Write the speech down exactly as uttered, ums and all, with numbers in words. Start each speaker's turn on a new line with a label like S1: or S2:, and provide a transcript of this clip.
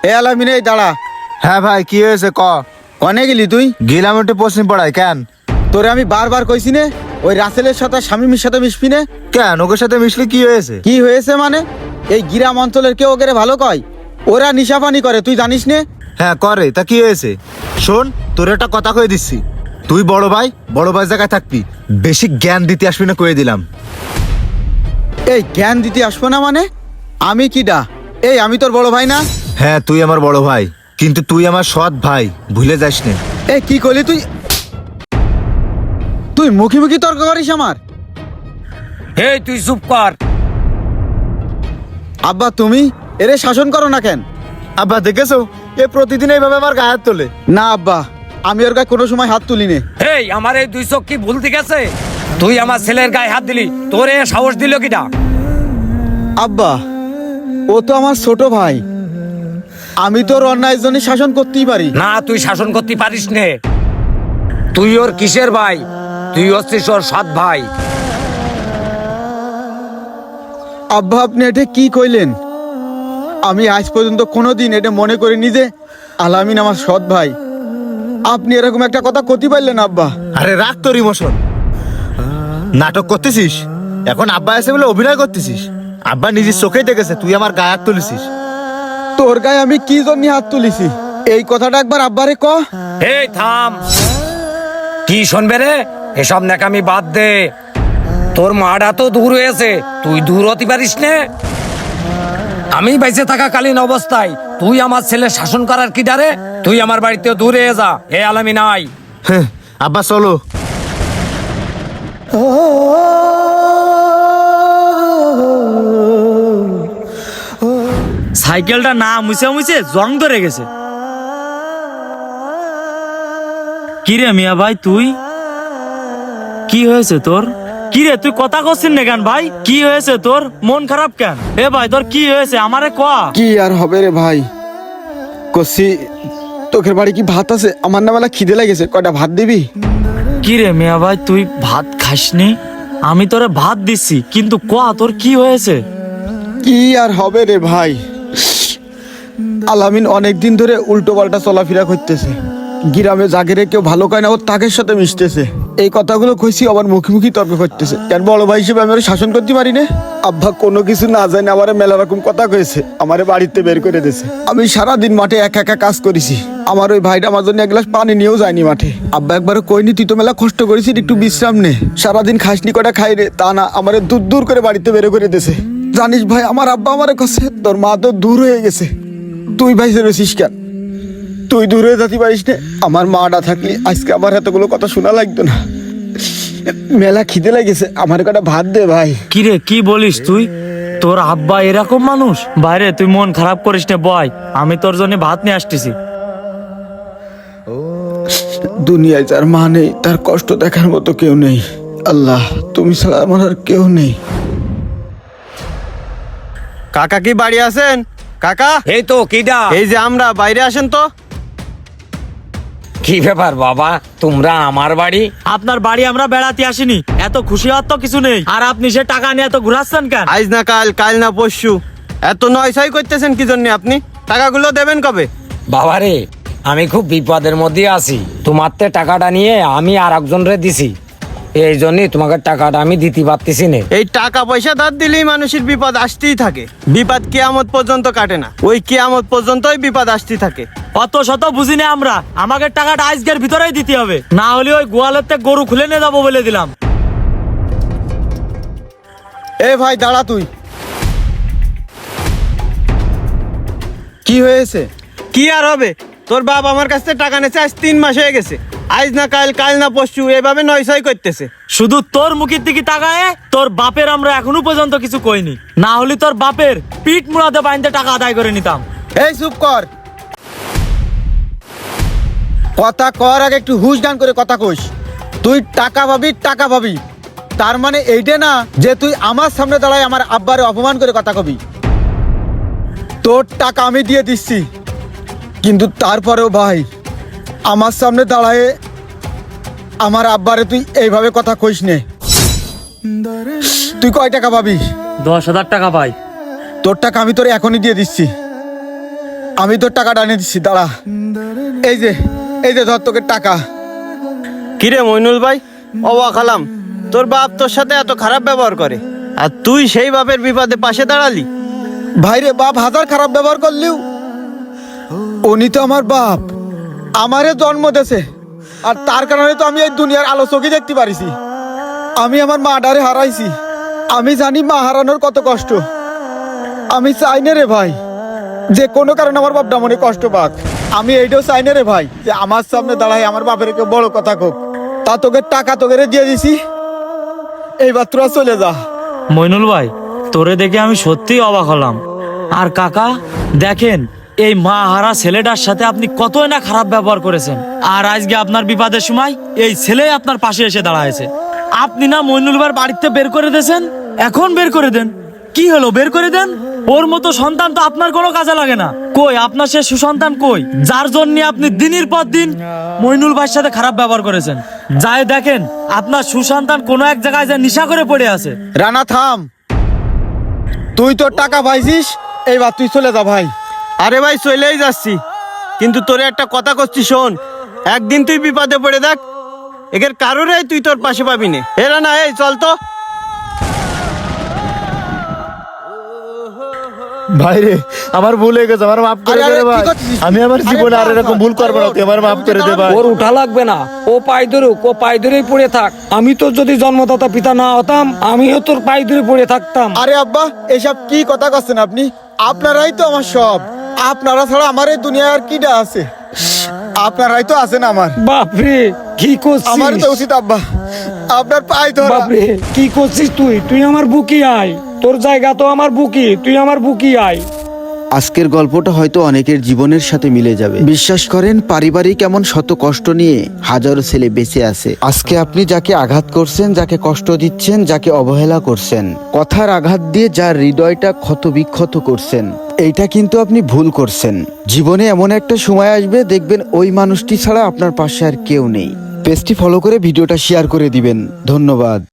S1: এ আলামিন, এই দাঁড়া।
S2: হ্যাঁ ভাই, কি হয়েছে ক?
S1: কনে গেলি তুই?
S2: গেলাম একটু পশ্চিম পাড়ায়। কেন?
S1: তোরে আমি বারবার কইছি নে ওই রাসেলের সাথে শামিমের সাথে মিশবি নে।
S2: কেন, ওকে সাথে মিশলে কি হয়েছে?
S1: কি হয়েছে মানে? এই গ্রাম অঞ্চলের কেউ ওকে ভালো কয়? ওরা নিশাপানি করে, তুই জানিস নে?
S2: হ্যাঁ করে, তা কি হয়েছে? শোন, তোর একটা কথা কয়ে দিচ্ছি, তুই বড় ভাই, বড় ভাই জায়গায় থাকবি, বেশি জ্ঞান দিতে আসবি না কয়ে দিলাম।
S1: এই জ্ঞান দিতে আসবো না মানে? আমি কি ডা? এই আমি তোর বড় ভাই না?
S2: হ্যাঁ তুই আমার বড় ভাই, কিন্তু তুই আমার সৎ ভাই, ভুলে যাস না।
S1: এই কি করলি তুই? তুই মুখি মুখি তর্ক করিস আমার?
S3: এই তুই চুপ কর।
S1: আব্বা তুমি এরে শাসন করো না কেন?
S2: আব্বা দেখেছো, এ প্রতিদিন এইভাবে আমার গায়ে হাত তোলে।
S1: না আব্বা, আমি ওর গায়ে কোনো সময় হাত তুলি নে।
S3: এই আমার এই দুই চোখ কি ভুল ঠিক আছে? তুই আমার ছেলের গায়ে হাত দিলি, তোরে সাহস দিল কিটা?
S1: আব্বা ও তো আমার ছোট ভাই, আমি তোর অন্যায় জন্য শাসন করতেই পারি।
S3: না, তুই শাসন করতে পারিস নে। তুই ওর কিসের ভাই? তুই হচ্ছিস ওর সৎ ভাই।
S1: আব্বা আপনি এটা কি কইলেন? আমি আজ পর্যন্ত কোনোদিন এটা মনে করিনি যে আলামিন আমার সৎ ভাই। আপনি এরকম একটা কথা কতি পারলেন আব্বা?
S2: আরে রাখ তোর ইমোশন, নাটক করতেছিস এখন। আব্বা এসে বলে অভিনয় করতেছিস। আব্বা নিজের চোখেই দেখেছে তুই আমার গায়ে হাত তুলেছিস।
S1: তোর গায়ে আমি কি জন্য হাত তুলিছি এই কথাটা একবার আব্বারে ক।
S3: এই থাম, কি শুনবে রে? এসব নাকামি বাদ দে। তোর মাটা তো দূর হয়েছে, তুই দূর হতে পারিস নে। আমি বেঁচে থাকাকালীন অবস্থায় তুই আমার ছেলে শাসন করার কি ডারে? তুই আমার বাড়িতে দূরে যা। হে আলামি নাই।
S2: হ্যাঁ, আব্বা চলো।
S4: সাইকেলটা না মুছে মুছে জং ধরে গেছে। কিরে মিয়া ভাই, তুই কি হয়েছে তোর? কিরে তুই কথা করছিস না কেন ভাই? কি হয়েছে তোর? মন খারাপ কেন? এ ভাই তোর কি হয়েছে আমারে ক।
S1: কি আর হবে রে ভাই, কষি তোকের বাড়ি কি ভাত আছে? আমার না বেলা খিদে লেগেছে, কয়টা ভাত দিবি?
S4: কিরে মিয়া ভাই, তুই ভাত খাসনি? আমি তোরে ভাত দিচ্ছি, কিন্তু ক তোর কি হয়েছে?
S1: কি আর হবে রে ভাই, আলামিন অনেক দিন ধরে উল্টো পাল্টা চলাফেরা করতেছে। গ্রামে জাগেরে কেউ ভালো কয় না, ওর তাকের সাথে মিশতেছে। এই কথাগুলো কইছি, আবার মুখে মুখি তর্ক করতেছে। কেন বড় ভাই হিসেবে আমি ওর শাসন করতে পারি না? আব্বা কোনো কিছু না জানে আমারে মেলা রকম কথা কয়েছে, আমারে বাড়িতে বের করে দিয়েছে। আমি সারাদিন মাঠে একা একা কাজ করেছি, আমার ওই ভাইটা আমার জন্য এক গ্লাস পানি নিয়েও যায়নি মাঠে। আব্বা একবারও কইনি তুই তো মেলা কষ্ট করেছিস, একটু বিশ্রাম নে, সারাদিন খাসনি কটা খাই রে। তা না, আমারে দূর দূর করে বাড়িতে বের করে দিয়েছে। জানিস ভাই, আমার আব্বা আমারে কাছে তোর মা তো দূর হয়ে গেছে, তুই ভাই রয়েছিস কেন? তুই দূরে যেতে পারিস না? আমার মাটা থাকলে আজকে আমার এতগুলো কথা শোনা লাগতো না। মেলা খিদে লাগেছে, আমার কটা ভাত দে ভাই।
S4: কিরে কি বলিস তুই? তোর আব্বা এরকম মানুষ? বাইরে তুই মন খারাপ করিস না, বয় আমি তোর জন্য ভাত নিয়ে আসতেছি।
S1: দুনিয়ায় যার মা নেই, তার কষ্ট দেখার মতো কেউ নেই। আল্লাহ তুমি ছাড়া আমার আর কেউ নেই।
S5: কাকা কি বাড়ি আছেন? কাকা,
S3: এই তো কিডা?
S5: এই যে আমরা, বাইরে আসেন তো।
S3: কি ব্যাপার বাবা, তোমরা আমার বাড়ি?
S4: আপনার বাড়ি আমরা বেড়াতে আসিনি, এত খুশি হওয়ার তো কিছু নেই। আর আপনি সে টাকা নিয়ে এত ঘুরাচ্ছেন কেন?
S5: আজ না কাল, কাল না পরশু, এত নয়ছয় করতেছেন কি জন্য? আপনি টাকাগুলো দেবেন কবে?
S3: বাবা রে, আমি খুব বিপদের মধ্যে আছি। তোমার তে টাকাটা নিয়ে আমি আর একজনরে দিছি, এই জন্যই তোমাকে টাকাটা আমি দিতে পারতেছি না।
S5: এই টাকা পয়সা ধার দিলেই মানুষের বিপদ আসতেই থাকে। বিপদ কিয়ামত পর্যন্ত কাটে না, ওই কিয়ামত পর্যন্তই বিপদ আসতেই থাকে।
S4: অত শত বুঝি না আমরা, আমাকে টাকাটা আজকের ভিতরেই দিতে হবে, না হলে ওই গোয়ালের থেকে গরু খুলে নিয়ে যাবো বলে দিলাম।
S1: এ ভাই দাঁড়া, তুই কি হয়েছে?
S5: কি আর হবে, তোর বাপ আমার কাছ থেকে টাকা নেছে আজ তিন মাস হয়ে গেছে। আজ না কাল, কাল না পরশু, এভাবে নয়ছয় করতেছে।
S4: শুধু তোর মুখের দিকে তাকায় তোর বাপের আমরা এখনো পর্যন্ত কিছু কইনি, না হলে তোর বাপের পিঠ মুড়াতে বাইন্দে টাকা আদায় করে নিতাম।
S1: এই চুপ কর, কথা কর আগে একটু হুশ গান করে কথা কইস। তুই টাকা পাবি, টাকা পাবি, তার মানে এইটা না যে তুই আমার সামনে দাঁড়ায় আমার আব্বারে অপমান করে কথা কবি। তোর টাকা আমি দিয়ে দিচ্ছি, কিন্তু তারপরেও ভাই আমার সামনে দাঁড়ায় আমার আব্বারে তুই এইভাবে কথা কইস নে। তুই কয় টাকা পাবি?
S4: দশ হাজার টাকা পাই।
S1: তোর টাকা আমি তোর এখনই দিয়ে দিচ্ছি। আমি তোর টাকাটা এনে দিচ্ছি, দাঁড়া। এই যে এই যে ধর তোকে টাকা।
S5: কিরে মইনুল ভাই, অবাক হলাম, তোর বাপ তোর সাথে এত খারাপ ব্যবহার করে আর তুই সেই বাপের বিপদে পাশে দাঁড়ালি।
S1: ভাইরে, বাপ হাজার খারাপ ব্যবহার করলেও উনি তো আমার বাপ, আমারে জন্ম দেছে, আর তার কারণে তো আমি এই দুনিয়ার আলো চোখে দেখতে পারিছি। আমি আমার মা ডারে হারাইছি, আমি জানি মা হারানোর কত কষ্ট। আমি চাই না রে ভাই যে কোনো কারণে আমার বাপটা মনে কষ্ট পাক। আমি এইটাও চাই না রে ভাই যে আমার সামনে দাঁড়াই আমার বাপের কেউ বড় কথা কোক। তা তোকে টাকা তোকে দিয়ে দিছি, এইবার তোরা চলে যা।
S4: মইনুল ভাই, তোরে দেখে আমি সত্যিই অবাক হলাম। আর কাকা দেখেন, এই মা হারা ছেলেটার সাথে আপনি কতই না খারাপ ব্যবহার করেছেন, আর আজকে আপনার বিপদের সময় এই ছেলে আপনার পাশে এসে দাঁড়ায়ছে। আপনি না মইনুল ভাইয়ের বাড়িতে বের করে দিয়েছেন, এখন বের করে দেন। কি হলো, বের করে দেন। ওর মতো সন্তান তো আপনার কোনো কাজে লাগে না। কই আপনার সে সুসন্তান কই, যার জন্য আপনি দিনের পর দিন মইনুল ভাইয়ের সাথে খারাপ ব্যবহার করেছেন? যাই দেখেন আপনার সুসন্তান কোনো এক জায়গায় যা নেশা করে পড়ে আছে।
S1: রানা থাম, তুই তোর টাকা পাইছিস, এইবার তুই চলে যা ভাই।
S5: আরে ভাই চলেই যাচ্ছি, কিন্তু তোরে একটা কথা করছি শোন, একদিন তুই বিপদে পড়ে দেখ, একের কারোরে তুই তোর পাশে পাবি না। এরা না, এই চল তো।
S2: ভাই রে, আমার ভুল হয়ে গেছে, আমার মাফ করে
S1: আরে,
S2: দে
S1: আরে,
S2: রে
S1: কি
S2: ভাই।
S1: করছিস?
S2: আমি আমার
S1: আরে,
S2: জীবনে আর
S1: থাম,
S2: এরকম
S1: থাম।
S2: ভুল করবো না, তুই আমার মাফ করে দে ভাই।
S3: ওর উঠা লাগবে না, ও পায়ে ধরুক, ও পায়ে ধরেই পড়ে থাক। আমি তোর যদি জন্মদাতা পিতা না হতাম, আমিও তোর পায়ে ধরে পড়ে থাকতাম।
S1: আরে আব্বা, এসব কি কথা করছেন আপনি? আপনারাই তো আমার সব, আপনারা ছাড়া আমার এই দুনিয়ায় আর কিটা আছে? আপনারাই তো আছেন আমার।
S3: বাপরে কি করছিস?
S1: আমার তো উচিত আব্বা আপনার পায়ে ধরা।
S3: বাপরে কি করছিস তুই? তুই আমার বুকি আয়, তোর জায়গা তো আমার বুকি, তুই আমার বুকি আয়।
S6: আজকের গল্পটা হয়তো অনেকের জীবনের সাথে মিলে যাবে। বিশ্বাস করেন, পারিবারিক এমন শত কষ্ট নিয়ে হাজারো ছেলে বেঁচে আছে। আজকে আপনি যাকে আঘাত করছেন, যাকে কষ্ট দিচ্ছেন, যাকে অবহেলা করছেন, কথার আঘাত দিয়ে যার হৃদয়টা ক্ষত বিক্ষত করছেন, এইটা কিন্তু আপনি ভুল করছেন। জীবনে এমন একটা সময় আসবে, দেখবেন ওই মানুষটি ছাড়া আপনার পাশে আর কেউ নেই। পেজটি ফলো করে ভিডিওটা শেয়ার করে দিবেন। ধন্যবাদ।